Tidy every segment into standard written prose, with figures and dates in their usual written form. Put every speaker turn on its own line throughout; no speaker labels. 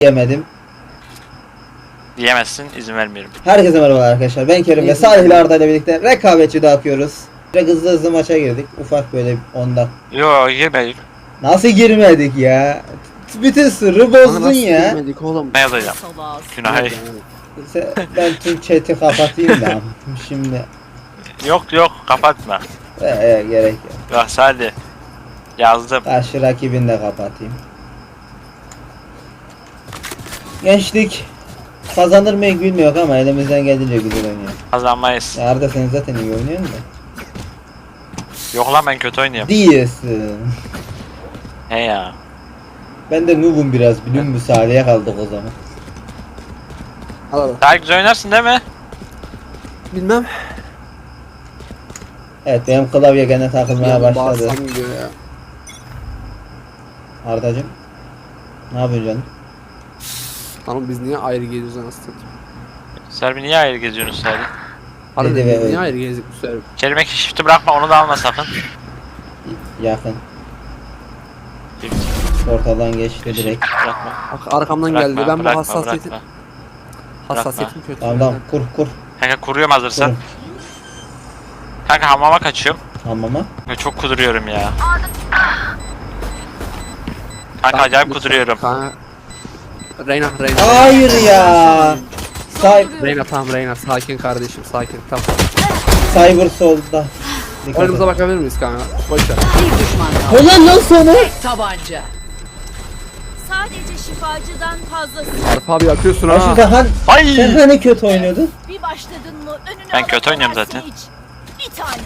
yemedim.
Diyemezsin, izin vermiyorum.
Herkese merhaba arkadaşlar. Ben Kerim ve Salih ile Arda ile birlikte rekabetçi dağıtıyoruz. Ve hızlı maça girdik. Ufak böyle 10 dakika.
Yo, girmedik.
Nasıl girmedik ya? Bütün sırrı bozdun ya.
Girmedik oğlum.
Ne yazacağım? Günah.
Ben tüm chat'i kapatayım da. Şimdi
Yok, kapatma.
gerek yok.
Bak hadi. Yazdım.
Karşı rakibini de kapatayım. Gençlik kazanır mı bilmiyor ama elimizden geldiğince güzel oynuyor.
Kazanmayız.
Ya Arda sen zaten iyi oynuyorsun da.
Yok lan, ben kötü oynuyorum.
Diyorsun.
He ya.
Ben de noob'um biraz biliyor musun? Salih'e kaldık o zaman.
Al.
Daha güzel oynarsın değil mi?
Bilmem.
Evet benim klavye gene takılmaya başladı.
Bağırsam gidiyor ya.
Ardacım. Ne yapıyorsun canım?
Hanım biz niye ayrı geziyoruz anasını?
Serbi niye ayrı geziyorsun Serbi?
Hadi
Dedi
biz
ve
niye
öldü.
ayrı gezdik bu sefer?
Kelime shift'i bırakma, onu da alma sakın.
Yakın. Portaldan geçti direkt.
Bırakma.
Bak arkamdan
Bırakma,
geldi. Ben bu
bırakma,
hassasiyetim
bırakma.
hassasiyetim kötü.
Tamam kur.
Kanka kuruyorum hazırsan.
Kurun.
Kanka hamama kaçıyorum.
Hamama.
Ve çok kuduruyorum ya. Kanka acayip kuduruyorum.
Kanka. Reyna.
Hayır ya.
Reyna tamam Reyna. Sakin kardeşim sakin. Tamam.
Cyber solda. Dikkat
Oyunumuza
et.
bakabilir miyiz kanka? Boş ver.
Bir düşman kaldı.
Ulan lan sana.
Tabanca. Sadece şifacıdan fazlası.
Arif abi yakıyorsun
Ya şu
ha.
Zahan.
Ay!
Sen hani kötü oynuyordun?
Bir başladın mı önüne
Ben kötü oynuyorum
alamazsın
zaten.
hiç. Bir tanesi.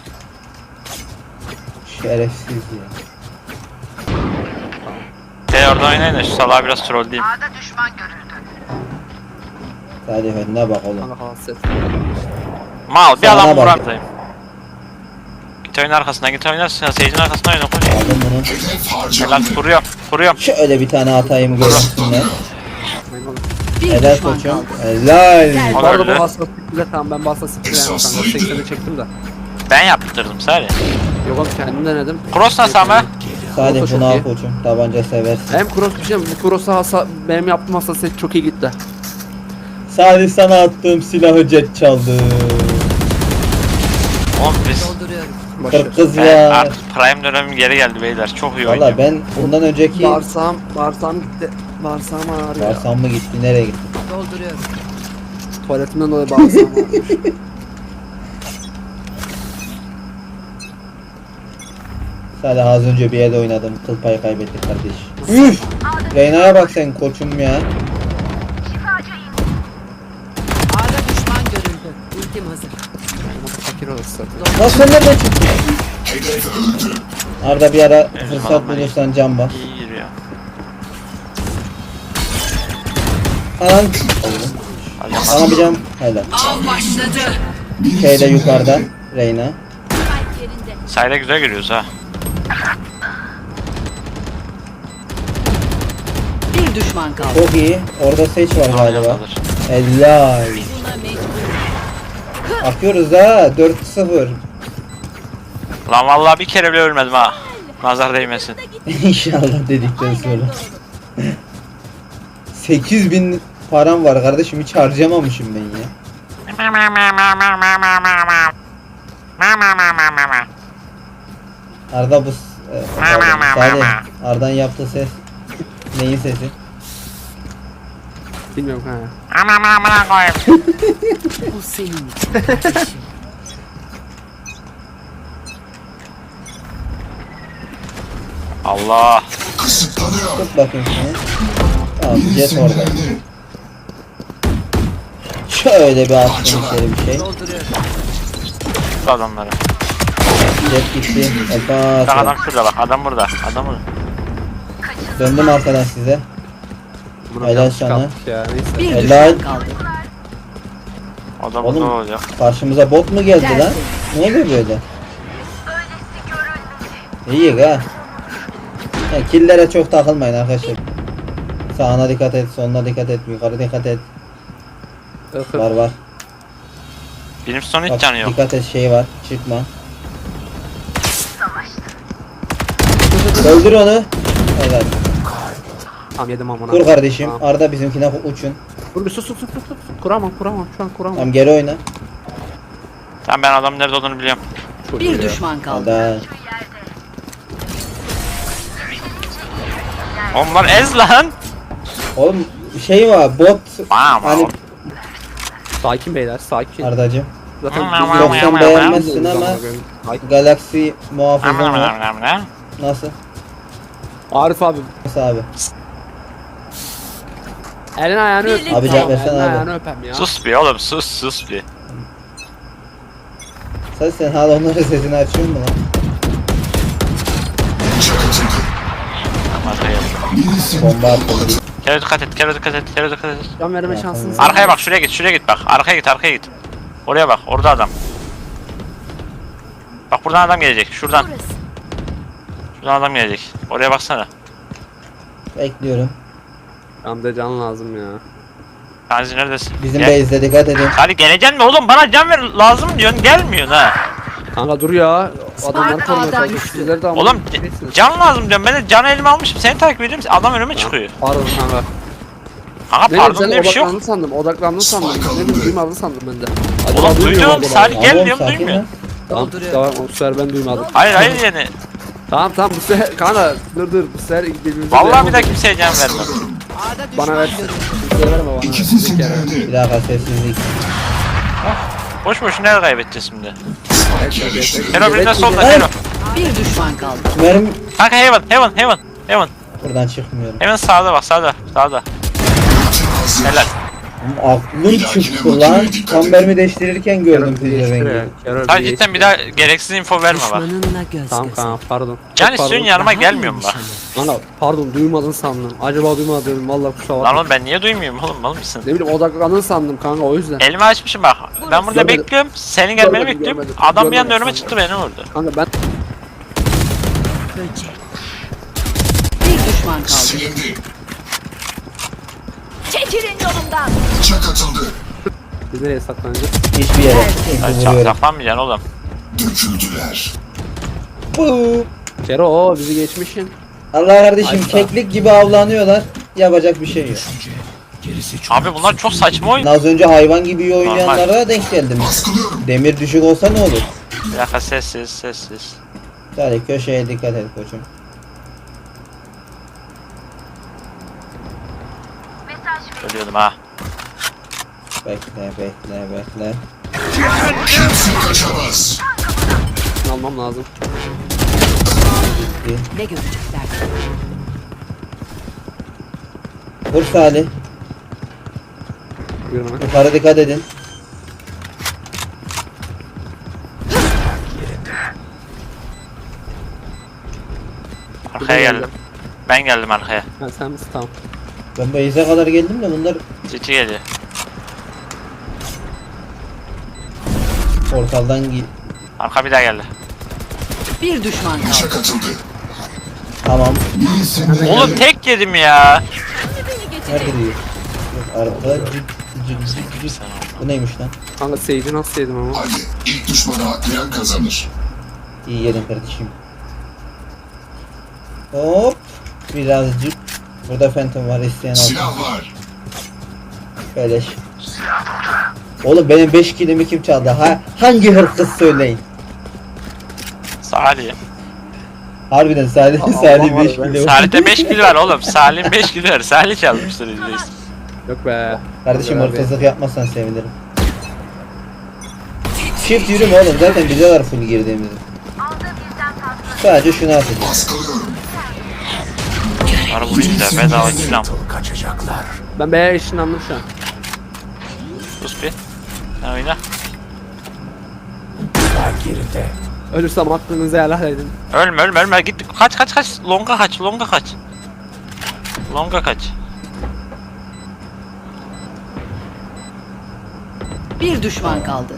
Şerefsiz ya.
Sen orada oynayın da şu salağa biraz troll diyeyim.
Salih önüne bak oğlum.
Kanka hasset.
Mal bir
Sana
adam
bak.
vuramdayım. Git oyun arkasına, git oynarsın. Seyircinin arkasına oyna koş.
Aldım bunu.
Helal, kuruyorum.
Şöyle bir tane atayım görsünler.
Bir
Helal
düşman
koçum.
kaldı.
Helal.
O
Bu
da
arada
öyle.
bu hassasiyetle tamam ben bu hassasiyetle yani kanka 80'e çektim de.
Ben yaptırdım sadece.
Yok oğlum kendim denedim.
Cross nasıl ama?
Salih
Çok
bunu al
iyi.
koçum. Tabanca seversin.
Hem cross bir şey bu cross'a benim yaptığım hassasiyet çok iyi gitti.
Salih sana attığım silahı jet çaldı.
Oğlum biz...
Dolduruyorum.
Boş ver.
Kız
Ben
var.
artık prime dönemim geri geldi beyler. Çok iyi
Valla
oynuyorum.
ben bundan önceki
Bağırsağım gitti. Bağırsağım ağrıyor.
Varsam mı gitti nereye gitti?
Dolduruyorum.
Tuvaletimden dolayı bağırsağım ağrıyor.
Salih az önce bir yerde oynadım. Kıl payı kaybettik kardeş. Üf! Reyna'ya bak sen koçum ya.
Ağda düşman görüldü. Ultim hazır.
Fakir olursun.
Nasıl sen nereden çıktın? Arda bir ara fırsat
falan var.
bulursan cam bak.
İyi giriyor.
Anan.
Hadi
Sana bir cam. Helal.
Av başladı.
Şeyde yukarıda. Reyna.
Kalp yerinde.
sayda güzel giriyoruz ha.
Bir düşman kaldı.
Çok iyi. Orada seç var galiba.
Yandadır.
Helal.
Buna mecbur.
Akıyoruz ha. 4-0.
Lan vallahi bir kere bile ölmedim ha. Nazar değmesin.
İnşallah dedikten sonra. 8000 param var kardeşim, hiç harcamamışım ben ya. Arda bu Salih, Arda'nın yaptığı ses neyin sesi?
Bilmiyorum kanka.
Bu senin.
Allah.
Tut bakayım şunu. Tamam, jet orada. Şöyle bir attım içeri bir şey.
Dolduruyorum.
Şu adamları.
Jet gitti.
Bak
Hoppa.
adam şurada bak. Adam burada. Adam burada.
Döndüm arkadan size.
Buna
Helal
yanlış
sana.
kaldık ya neyse.
Bir
Helal.
düşman kaldı.
O da burada
Oğlum.
olacak.
Karşımıza bot mu geldi lan? Ne oluyor böyle? İyi ha. Ya, killere çok takılmayın arkadaşlar. Sağına dikkat et, soluna dikkat et, yukarı dikkat et. Var.
Benim son hiç
Bak,
canı yok.
dikkat et, şey var, çıkma. Öldür onu. Helal.
Tamam yedim amına.
Kur kardeşim.
Tamam.
Arda bizimkine uçun.
Dur bir sus. Kuramam şu an kuramam.
Tamam geri oyna.
Tamam ben adamın nerede olduğunu biliyorum.
Çok iyi
Bir
ya.
düşman kaldı.
Arda.
Onlar ez lan.
Oğlum şey var bot.
Bam,
Hani
bam.
Sakin beyler sakin.
Ardacım.
Zaten
Yok sen beğenmezsin ama Galaxy muhafızan var. Nasıl?
Arif abi.
Nasıl abi?
Elini ayağını öp.
Birlikte.
Abi cevap versene
Elini
abi.
ayağını öpem ya.
Sus bir oğlum sus bir.
Sen hala onların sesini açıyor musun lan? Bomba attı.
Kere dikkat et.
Can verme şansınız.
Arkaya bak şuraya git bak. Arkaya git. Oraya bak orada adam. Bak buradan adam gelecek şuradan. Şuradan adam gelecek. Oraya baksana.
Bekliyorum.
Camda can lazım ya.
Kanzi neredesin?
Bizim
Gel.
base'de dikkat edin.
Hadi geleceksin mi oğlum? Bana can ver lazım diyorsun gelmiyorsun ha.
Kanka dur ya. Adamlar
Spark
korumaya
A'dan
çalışıyor.
düştü.
Sizler de
Oğlum can lazım diyorum. Ben de canı elime almışım. Seni takip ediyorum. Adam önüme çıkıyor.
Pardon kanka.
Kanka
Ne
pardon
sen
diye bir şey yok.
odaklandın sandım. Ne bileyim duymadın sandım ben de. Acaba
Oğlum
duymuyor
duydum.
mu acaba?
Salih gel
Oğlum,
diyorum
sakin
duymuyor.
lan.
Tamam tamam bu sefer ben duymadım.
Hayır yani.
Tamam bu sefer kanka dur bu sefer birbirimize
Vallahi bir daha kimseye can vermem.
A'da düşman
bana ver.
görüldü.
Kimseye verme bana. Bir kere.
Bir dakika sessizlik.
Boş boşuna el kaybedeceğiz şimdi.
Evet.
Hero birinden solda
Evet.
Hero.
Bir düşman kaldı.
Mermi
Kanka Heaven.
buradan çıkmıyorum.
Hemen sağda bak sağda. Helal.
Aklım çıktı lan. Tam mermi değiştirirken gördüm pezevengi.
Sen cidden bir daha gereksiz info verme bak.
Düşmanınla göz
Tamam
göze.
kanka pardon.
Can
Çok
istiyorsun
pardon.
yanıma
Daha
gelmiyor mu
iyi
bak?
nişanı.
Kanka pardon duymadın sandım. Acaba duymadın vallahi kusura
Lan
bakma.
oğlum ben niye duymuyorum oğlum mal mısın?
Ne bileyim odaklandın sandım kanka o yüzden.
Elimi açmışım bak. Ben burada
Görmedim.
bekliyorum. Senin gelmeni
Görmedim,
bekliyorum.
görmedim.
Adam bir anda
Görmedim.
önüme çıktı beni vurdu.
Kanka ben
Böcek. Bir düşman kaldı.
Silindi.
Çekilin yolumdan.
Bıçak atıldı.
biz nereye saklanacağız?
Hiçbir yere.
Ay
Vuruyorum.
saklanmayacaksın oğlum.
Döküldüler.
Bu.
Kero o bizi geçmişsin.
Allah kardeşim
Ay,
keklik gibi avlanıyorlar. Yapacak bir şey yok.
Abi bunlar çok saçma oyun.
Az önce hayvan gibi iyi oynayanlara denk geldim.
Baskılıyorum.
Demir düşük olsa ne olur?
Bir dakika sessiz.
Hadi köşeye dikkat et koçum.
Ölüyordum ha.
Bekle.
Kimse kaçamaz.
Şunu almam lazım.
Ne görecekler?
Vur Salih.
Buyurun hemen.
Yukarı dikkat edin.
Arkaya geldim. Ben geldim arkaya.
Ha, sen misin tamam.
Ben base'e kadar geldim de bunlar
Citi geliyor.
portaldan
Arka bir daha geldi.
Bir düşman kaldı.
Bıçak atıldı.
Tamam.
İyisin.
Oğlum tek yedim ya.
Nerede diyor? Yok arada cık. Bu neymiş lan?
Kanka Sage'i nasıl yedim ama?
Hadi ilk düşmanı haklayan kazanır.
İyi yedin kardeşim. Hop. Birazcık. Burada Phantom var isteyen alsın.
Silah var.
Beleş. Oğlum benim 5 kilimi kim çaldı? Hangi hırkız söyleyin?
Salih.
Harbiden Salih
Allah
Salih
var
5
be.
kilo.
Salih'te 5 kill var oğlum. Salih'in 5 kill var. Salih çalmıştır %100.
Yok be.
Kardeşim
Abi.
hırkızlık yapmazsan sevinirim. Shift yürüme oğlum zaten biliyorlar full girdiğimizi. Sadece şunu atacağım.
Baskılıyorum.
Bana vurayım da bedava kill al.
Ben B'ye ışınlandım şu an.
Sus bir. Sen oyna.
Ölürsem aklınızı helal edin.
Ölme git. Kaç. Longa kaç.
Bir düşman kaldı.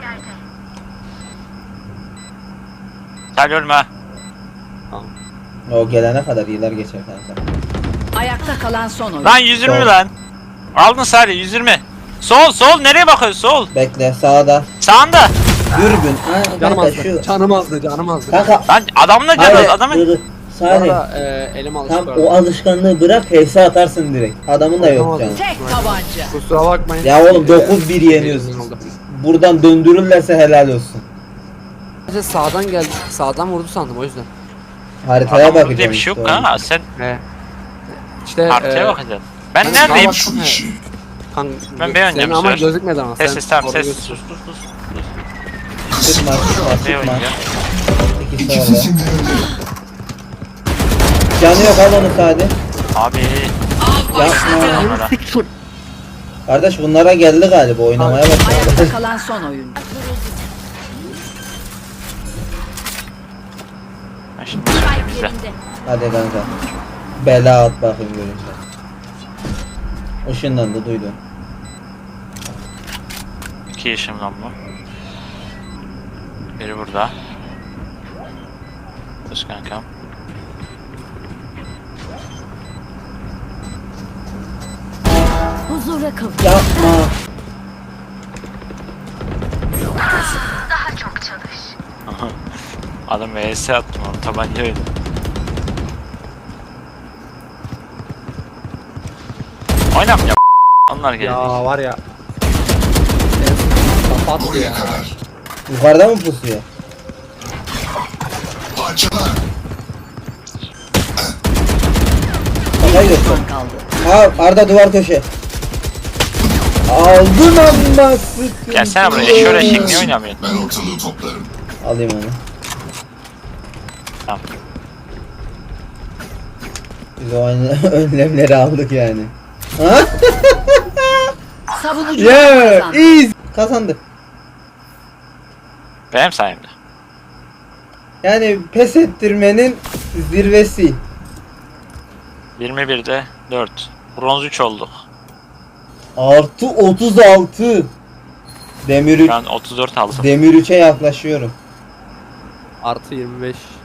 Salih ölme ha.
O gelene kadar yıllar geçer kanka.
Ayakta kalan son oyun.
Lan 120
Sol.
lan. Aldın Salih 120. Sol nereye bakıyorsun sol?
Bekle sağda.
Sağında.
Dürbün. Ha,
Canım
kanka şu.
azdı. Canım azdı.
Kanka.
Lan adamla
Hayır,
canız adamın.
dur. Salih.
Valla elim alıştı.
Tam o alışkanlığı bırak, HS atarsın direkt. Adamın da yok
Atamadım.
canı.
Tek tabanca.
Kusura bakmayın.
Ya oğlum 9-1 yeniyorsun. Buradan döndürürlerse helal olsun.
Sadece sağdan geldi. Sağdan vurdu sandım o yüzden.
Haritaya
Adam
bakacağım.
diye bir şey yok
işte
ha. Sen
He. İşte
haritaya bakacaksın. Ben neredeyim?
Bak şu işi.
Ben B oynayacağım
Senin
bu
ama
sefer.
gözükmedi ama.
Ses
sen
ses tamam
orada
ses. Sus
gözüküyorsun.
sus sus.
Tutma, tutma,
B
tutma.
oynayacağım.
İkisi orada.
İkisi nerede?
Canı yok, al onu Sadi.
Abi.
Yapma.
Onlara.
Kardeş bunlara geldi galiba, oynamaya başladı.
Ayakta kalan son oyuncu.
Ha, şimdi bizde.
Hadi kanka. Bela at bakayım görünce. Işınlandı, duydun.
2 yaşımdan bu. Biri burada. Dur kankam.
Huzura kavuş.
Yapma.
Adam VS attım onu tabanca oyunu. Oynamayacağım. Onlar geldi.
Ya var ya. Kapat
Buraya
ya.
kadar.
Yukarıda mı pusuyor?
Parçalar.
Kafayı göster.
Düşman kaldı.
Ha Arda duvar köşe. Aldın amma sıkıntı.
Gelsene buraya eşör eşek niye oynamıyorsun?
Ben ortalığı toplarım.
Alayım onu.
Tamam.
Biz o önlemleri aldık yani. Ha?
Savunucular
Yeah,
kazandı.
easy. Kazandık.
Benim sayemde.
Yani pes ettirmenin zirvesi.
21'de 4. Bronz 3 olduk.
Artı 36. Demir 3.
Şu an 34 aldım.
Demir 3'e yaklaşıyorum.
Artı 25.